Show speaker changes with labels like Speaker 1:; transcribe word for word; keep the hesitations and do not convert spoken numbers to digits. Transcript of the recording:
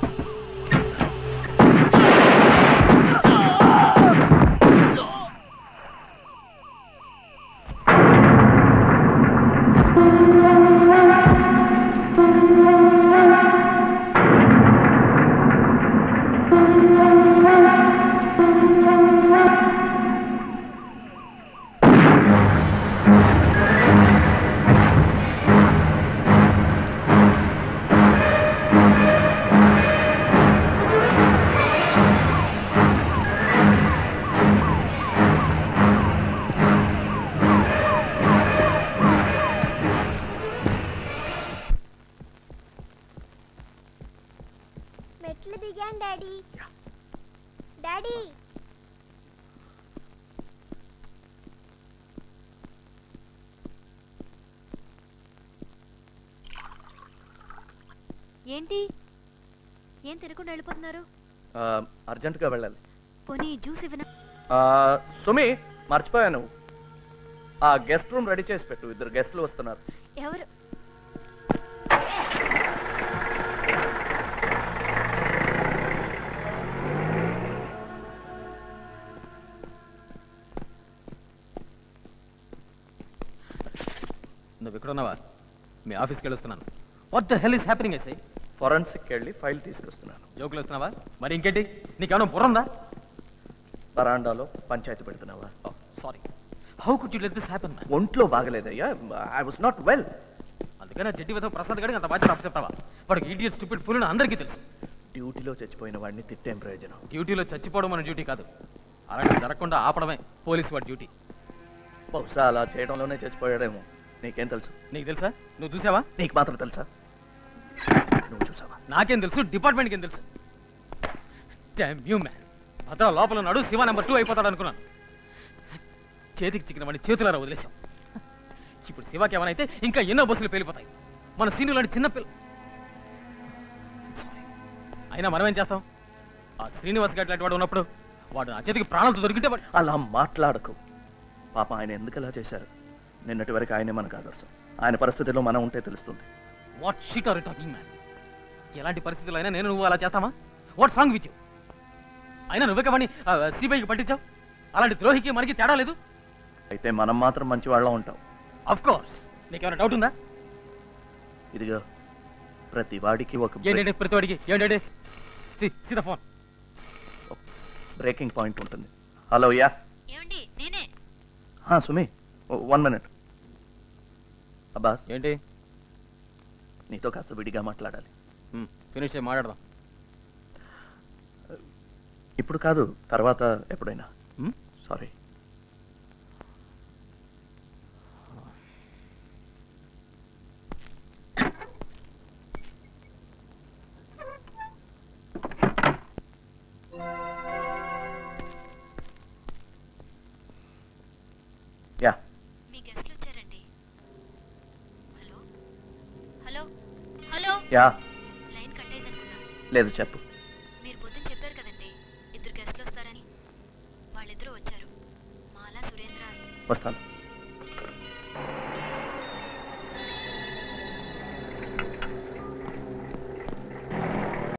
Speaker 1: ఏంటి ఏం తినకుండా వెళ్ళిపోతున్నారు?
Speaker 2: అర్జెంటుగా వెళ్ళాలి.
Speaker 1: పోనీ జ్యూస్ ఇవ్వనా?
Speaker 2: సుమి మర్చిపోయాను, ఆ గెస్ట్ రూమ్ రెడీ చేసి పెట్టు, ఇద్దరు గెస్ట్లు వస్తున్నారు.
Speaker 1: ఎవరు?
Speaker 3: నువ్వు ఎక్కడున్నావా? మీ ఆఫీస్కి వెళ్ళొస్తున్నాను. What the hell is happening? I say
Speaker 2: forensic వెళ్ళి ఫైల్ తీసుకొస్తున్నాను.
Speaker 3: జోకులు వస్తున్నావా? మరి ఇంకేంటి, నీకేమైనా బుర్రందా?
Speaker 2: బరాండాలో పంచాయతీ పెడుతున్నావా?
Speaker 3: Sorry, how could you let this happen?
Speaker 2: ఒంట్లో బాగలేదయ్యా, ఐ వాస్ నాట్ వెల్.
Speaker 3: అందుకనే జడ్డి వద్ద ప్రసాద్ గడికి అంత బాధ్యత అప్పచెప్తావా? వాడికి ఈడియట్ స్టూపిడ్ ఫుల్ అందరికీ తెలుసు.
Speaker 2: డ్యూటీలో చచ్చిపోయిన వాడిని తిట్టేం ప్రయోజనం?
Speaker 3: డ్యూటీలో చచ్చిపోవడం మన డ్యూటీ కాదు, అలాగే జరగకుండా ఆపడమే పోలీసు వాడి డ్యూటీ.
Speaker 2: బహుశా అలా చేయడంలోనే చచ్చిపోయాడేమో. నీకేం తెలుసు?
Speaker 3: నీకు తెలుసా? నువ్వు చూసావా?
Speaker 2: నీకు మాత్రం తెలుసా? నువ్వు చూసావా?
Speaker 3: నాకేం తెలుసు, డిపార్ట్మెంట్కి ఏం తెలుసు? Dam you man. భద్ర లోపల ఉన్నాడు, శివ నెంబర్ టూ అయిపోతాడు అనుకున్నాను. చేతికి చిక్కిన వాడిని చేతులారా వదిలేశాం. ఇప్పుడు శివకి ఏమైనా ఇంకా ఎన్నో బస్సులు పేలిపోతాయి. మన సీనియర్ లాంటి చిన్నపిల్ల. అయినా మనమేం చేస్తాం? ఆ శ్రీనివాస్ గారి లాంటి వాడు ఉన్నప్పుడు వాడు నా చేతికి ప్రాణాలతో దొరికితే వాడు.
Speaker 2: అలా మాట్లాడకు పాప. ఆయన ఎందుకు అలా చేశారు? నిన్నటి వరకు ఆయనే మనకు ఆదర్శం. ఆయన పరిస్థితిలో మనం ఉంటే తెలుస్తుంది.
Speaker 3: What shit are you talking man? ఎలాంటి పరిస్థితుల్లో అయినా నేను నువ్వు అలా చేస్తామా? What's wrong with you? అయినా నువ్వే కవని సిబిఐకి పట్టించావు. అలాంటి ద్రోహికి మనకి తేడా లేదు.
Speaker 2: అయితే మనం మాత్రం మంచి వాళ్ళ ఉంటాం.
Speaker 3: Of course. నీకేమైనా డౌట్ ఉందా?
Speaker 2: ఇదిగో ప్రతి వాడికి ఒక
Speaker 3: ఏంటంటే ప్రతి వాడికి ఏంటంటే see the phone.
Speaker 2: Breaking point ఉంటుంది. హలో యా
Speaker 1: ఏమండి? నేనే.
Speaker 2: హా సుమి, వన్ మినిట్. అబ్బాస్,
Speaker 3: ఏంటి?
Speaker 2: నీతో కాస్త విడిగా మాట్లాడాలి.
Speaker 3: ఫినిష్ అయ్యి మాట్లాడదాం.
Speaker 2: ఇప్పుడు కాదు, తర్వాత ఎప్పుడైనా. సారీ. యా,
Speaker 1: మీ గెస్ట్లు వచ్చారండి. Hello hello hello.
Speaker 2: Yeah,
Speaker 1: line cut అయింది అనుకున్నా.
Speaker 2: లేదు చెప్పు.
Speaker 1: మీరు పొద్దున చెప్పారు కదండి ఇద్దరు గెస్ట్లు వస్తారని. వాళ్ళిద్దరూ వచ్చారు, మాలా సురేంద్ర.
Speaker 2: వస్తాను.